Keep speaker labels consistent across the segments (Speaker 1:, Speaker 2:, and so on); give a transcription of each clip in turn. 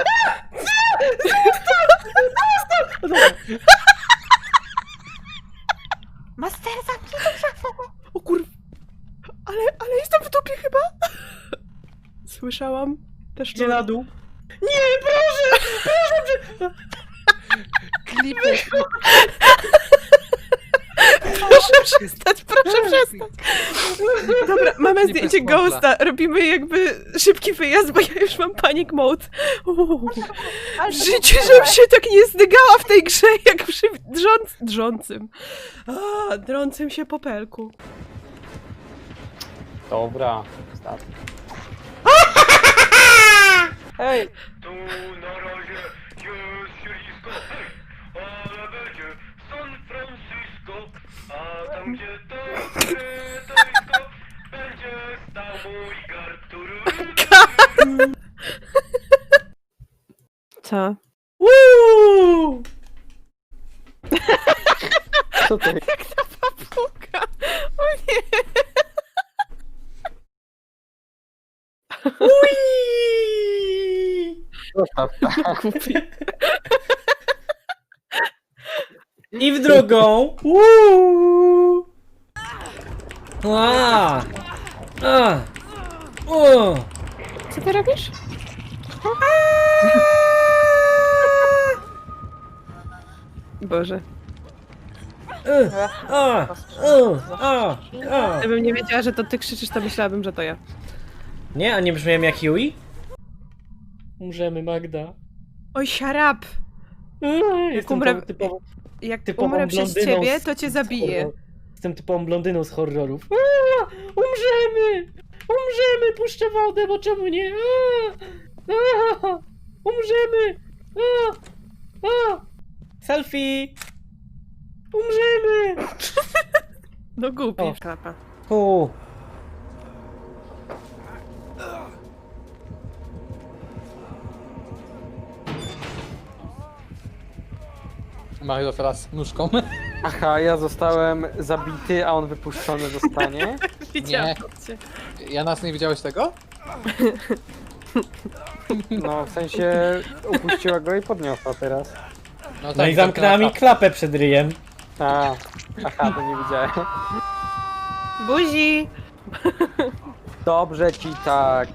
Speaker 1: Master, zamknij tą szafę!
Speaker 2: O kur... Ale jestem w dupie chyba? Słyszałam też
Speaker 3: Idzie na dół.
Speaker 2: Nie, proszę! Proszę!
Speaker 3: Klipy.
Speaker 2: Proszę przestać, proszę przestać! Dobra, mamy
Speaker 3: Nie
Speaker 2: zdjęcie
Speaker 3: bez kropla.
Speaker 2: Ghosta. Robimy jakby szybki wyjazd, bo ja już mam panic mode. W życiu, żebym się tak nie zdygała w tej grze, jak przy drącym. Drącym się popelku.
Speaker 3: Dobra. Start. Hej!
Speaker 4: Tu na razie jest siedlisko, hej, ale będzie San Francisco, a tam gdzie to stoisko, będzie stał mój gartur.
Speaker 2: Co?
Speaker 3: Woo! Co to jest?
Speaker 2: Jak ta papuga! O nie!
Speaker 3: Zostaw. I w drugą.
Speaker 2: Co ty robisz? Boże. Gdybym nie wiedziała, że to ty krzyczysz, to myślałabym, że to ja.
Speaker 3: Nie, a nie brzmiałem jak Yui? Umrzemy, Magda.
Speaker 2: Oj, siarap!
Speaker 3: Jestem
Speaker 2: umrę-
Speaker 3: typową,
Speaker 2: Jak
Speaker 3: typową
Speaker 2: umrę przez
Speaker 3: blondyną
Speaker 2: ciebie,
Speaker 3: z-
Speaker 2: to cię
Speaker 3: z
Speaker 2: zabiję.
Speaker 3: horror- Jestem typową blondyną z horrorów. Umrzemy! Umrzemy! Puszczę wodę, bo czemu nie? Umrzemy! Selfie! Umrzemy!
Speaker 2: No głupi.
Speaker 3: O.
Speaker 2: Klapa.
Speaker 5: Mario teraz nóżką.
Speaker 6: Aha, ja zostałem zabity, a on wypuszczony zostanie.
Speaker 2: Widziałam cię.
Speaker 5: Ja nas nie widziałeś tego?
Speaker 6: No, w sensie upuściła go i podniosła teraz.
Speaker 3: No i zamknęła mi klapę przed ryjem.
Speaker 6: A, aha, to nie widziałem.
Speaker 2: Buzi!
Speaker 6: Dobrze ci tak.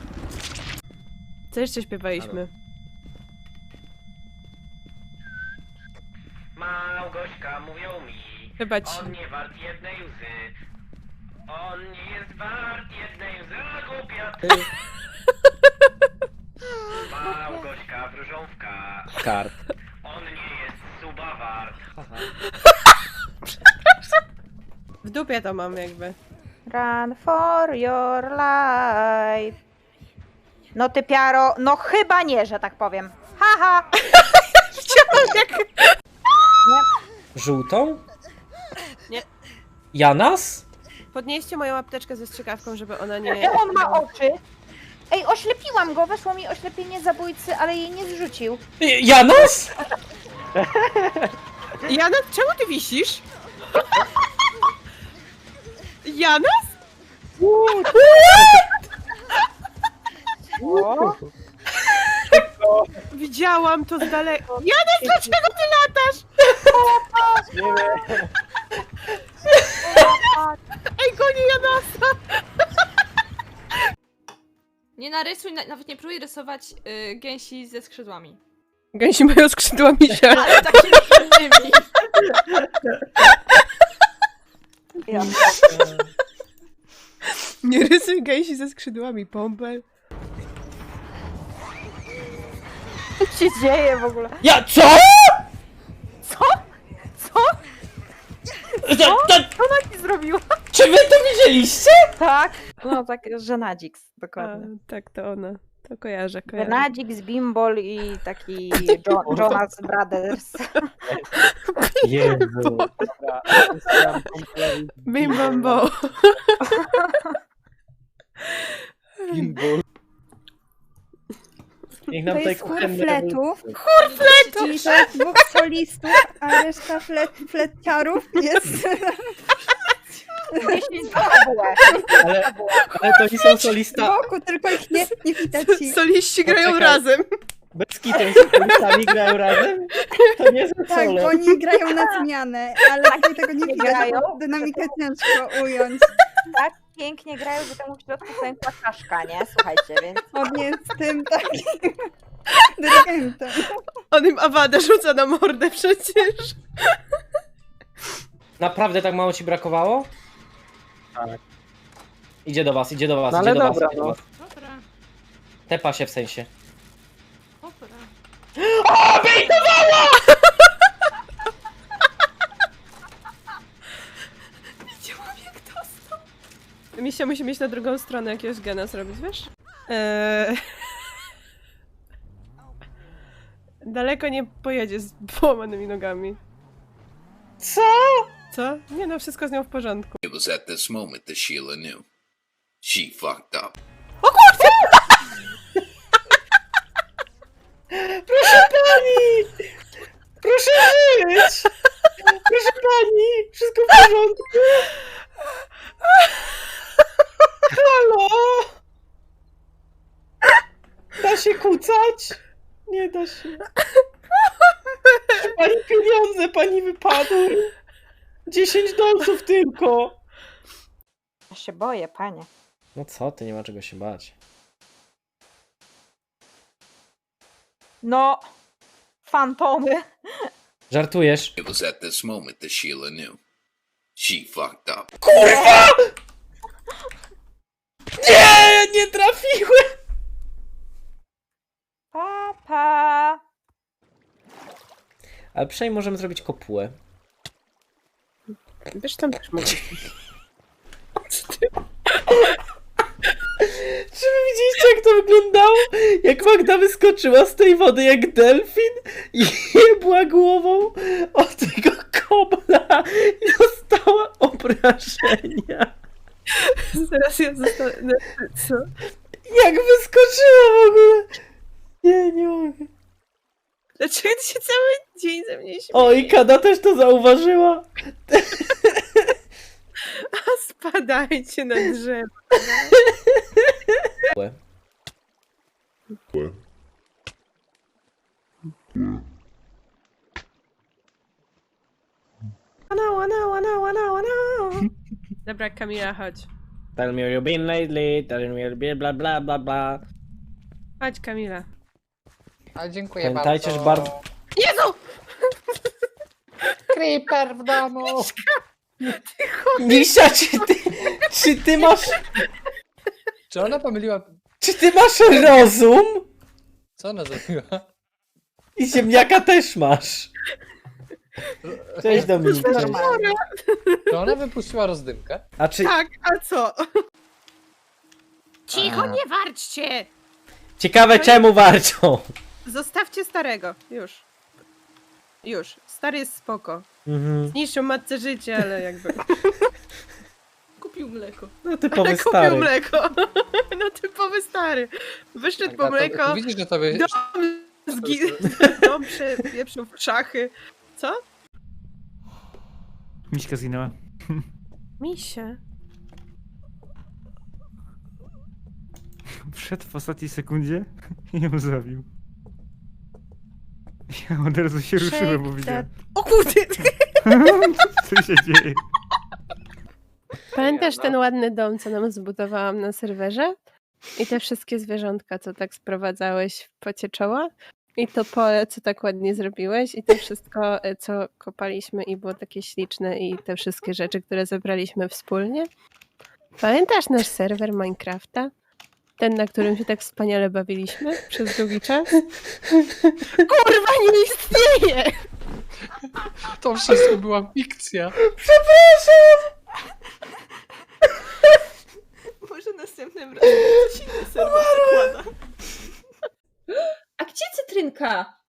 Speaker 2: Co jeszcze śpiewaliśmy?
Speaker 4: Małgośka mówią mi,
Speaker 2: Chyba ci.
Speaker 4: on nie wart jednej łzy. On nie jest wart jednej łzy, a głupia ty. Małgośka wróżąwka,
Speaker 5: Kart.
Speaker 4: on nie jest suba wart.
Speaker 2: W dupie to mam jakby.
Speaker 1: Run for your life. No ty piaro, no chyba nie, że tak powiem. Haha!
Speaker 2: Widziałam jak...
Speaker 3: Żółtą?
Speaker 2: Nie.
Speaker 3: Janas?
Speaker 2: Podnieście moją apteczkę ze strzykawką, żeby ona nie...
Speaker 1: On ma oczy. Ej, oślepiłam go, weszło mi oślepienie zabójcy, ale jej nie zrzucił.
Speaker 3: Janas?
Speaker 2: Jana, czemu ty wisisz? Janas?
Speaker 1: O,
Speaker 2: Widziałam to z daleka. Janas, dlaczego ty latasz?
Speaker 6: Nie wiem.
Speaker 2: Ej, goni Janasa!
Speaker 7: Nie narysuj, nawet nie próbuj rysować gęsi ze skrzydłami.
Speaker 2: Gęsi mają skrzydła misia.
Speaker 7: Ale takimi innymi.
Speaker 1: ja.
Speaker 2: Nie rysuj gęsi ze skrzydłami, Pompel.
Speaker 1: Co się dzieje w ogóle?
Speaker 3: Ja co?
Speaker 1: Co? Co?
Speaker 3: Co?
Speaker 1: Co ona ci zrobiła?
Speaker 3: Czy wy to widzieliście?
Speaker 1: Tak. No tak, Żenadzix,
Speaker 2: A,
Speaker 1: dokładnie.
Speaker 2: tak, to ona. To kojarzę.
Speaker 1: Żenadzix, Bimbol i taki Jonas Brothers.
Speaker 3: Jezu.
Speaker 6: Dobra, zostałem kompletnie.
Speaker 2: Bim bam bo.
Speaker 6: Gimbal.
Speaker 3: Niech nam
Speaker 8: To
Speaker 3: tutaj
Speaker 8: jest chór
Speaker 3: kuchenny
Speaker 8: fletów.
Speaker 2: Fletu!
Speaker 8: Czyli to jest dwóch solistów, a reszta fleciarów jest...
Speaker 1: 10 fabułę.
Speaker 3: ale to nie są
Speaker 8: z
Speaker 3: solista.
Speaker 8: boku, tylko ich nie widać.
Speaker 2: Soliści grają
Speaker 3: Poczekaj.
Speaker 2: razem.
Speaker 3: Bez kitem z kulistami grają razem? To nie za
Speaker 8: Tak,
Speaker 3: solo.
Speaker 8: bo oni grają na zmianę, ale tutaj tego nie widać,
Speaker 1: grają.
Speaker 8: bo dynamikę ciężko ująć.
Speaker 1: Tak pięknie grają, że temu w środku pękła czaszka, nie? Słuchajcie, więc...
Speaker 8: On jest tym takim dyrygentem.
Speaker 2: On im awadę rzuca na mordę przecież.
Speaker 3: Naprawdę tak mało ci brakowało?
Speaker 6: Tak.
Speaker 3: Idzie do was, idzie do was,
Speaker 6: No
Speaker 3: idzie
Speaker 6: ale
Speaker 3: do was.
Speaker 6: dobra,
Speaker 3: Idzie do
Speaker 6: no.
Speaker 3: was.
Speaker 7: Dobra,
Speaker 3: Tepa się w sensie.
Speaker 7: dobra.
Speaker 2: Widziałam jak dostał. Misia musi mieć na drugą stronę jakiegoś gena zrobić, wiesz? Daleko nie pojedzie z połamanymi nogami.
Speaker 3: Co?
Speaker 2: Co? Nie no, wszystko z nią w porządku.
Speaker 9: It was at this moment that Sheila knew. She fucked up.
Speaker 3: Proszę pani! Proszę żyć! Proszę pani! Wszystko w porządku? Halo? Da się kucać? Nie da się. Proszę pani, pieniądze pani wypadły. 10 dolców tylko.
Speaker 1: Ja się boję, panie.
Speaker 3: No co ty, nie ma czego się bać.
Speaker 1: No... Fantomy.
Speaker 3: Żartujesz?
Speaker 9: It was at this moment that Sheila knew. She fucked up.
Speaker 3: Kurwa! Nie, nie trafiłem!
Speaker 1: Papa.
Speaker 3: Ale przynajmniej możemy zrobić kopułę.
Speaker 2: Wiesz, tam też mogę.
Speaker 3: Czy wy widzieliście, jak to wyglądało? Jak Magda wyskoczyła z tej wody jak delfin i jebła głową od tego kobla i dostała obrażenia.
Speaker 2: Zaraz ja zostanę... Co?
Speaker 3: Jak wyskoczyła w ogóle? Nie mogę.
Speaker 2: Dlaczego ty się cały dzień ze mnie śmiejesz?
Speaker 3: O, i Kada też to zauważyła.
Speaker 2: A spadajcie na drzewo. Dobra, Kamila, chodź.
Speaker 3: Tell me where you've been lately, tell me where you've been, bla bla bla bla.
Speaker 2: Chodź, Kamila.
Speaker 5: A dziękuję
Speaker 3: Pamiętajcie, że
Speaker 5: bardzo.
Speaker 3: bardzo...
Speaker 2: Jezu!
Speaker 5: Creeper w domu!
Speaker 3: Misia, czy ty masz...
Speaker 5: Czy ona pomyliła...
Speaker 3: Czy ty masz rozum?
Speaker 5: Co ona zrobiła?
Speaker 3: I ziemniaka też masz. Cześć Dominik. Cześć.
Speaker 5: Czy ona wypuściła rozdymkę?
Speaker 3: A czy...
Speaker 2: Tak, a co?
Speaker 3: Cicho,
Speaker 2: nie warczcie!
Speaker 3: Ciekawe czemu warczą.
Speaker 2: Zostawcie starego. Już. Już. Stary jest spoko.
Speaker 3: Mhm.
Speaker 2: Zniszczył matce życie, ale jakby...
Speaker 7: Kupił mleko.
Speaker 3: No typowy
Speaker 2: Ale kupił
Speaker 3: stary.
Speaker 2: mleko. No typowy stary. Wyszedł po mleko,
Speaker 5: Widzisz, że tobie...
Speaker 2: dom przepieprzył w szachy. Co?
Speaker 10: Miśka zginęła.
Speaker 2: Misia.
Speaker 10: Wszedł w ostatniej sekundzie i ją zabił. Ja od razu się ruszyłem, bo widziałem.
Speaker 2: O kurde!
Speaker 10: Co się dzieje?
Speaker 2: Pamiętasz ten ładny dom, co nam zbudowałam na serwerze? I te wszystkie zwierzątka, co tak sprowadzałeś w pocie czoła? I to pole, co tak ładnie zrobiłeś? I to wszystko, co kopaliśmy i było takie śliczne i te wszystkie rzeczy, które zebraliśmy wspólnie? Pamiętasz nasz serwer Minecrafta? Ten, na którym się tak wspaniale bawiliśmy przez długi czas? Kurwa, nie istnieje!
Speaker 5: To wszystko była fikcja.
Speaker 7: Może następnym razem coś inny serwer zakłada. A gdzie cytrynka?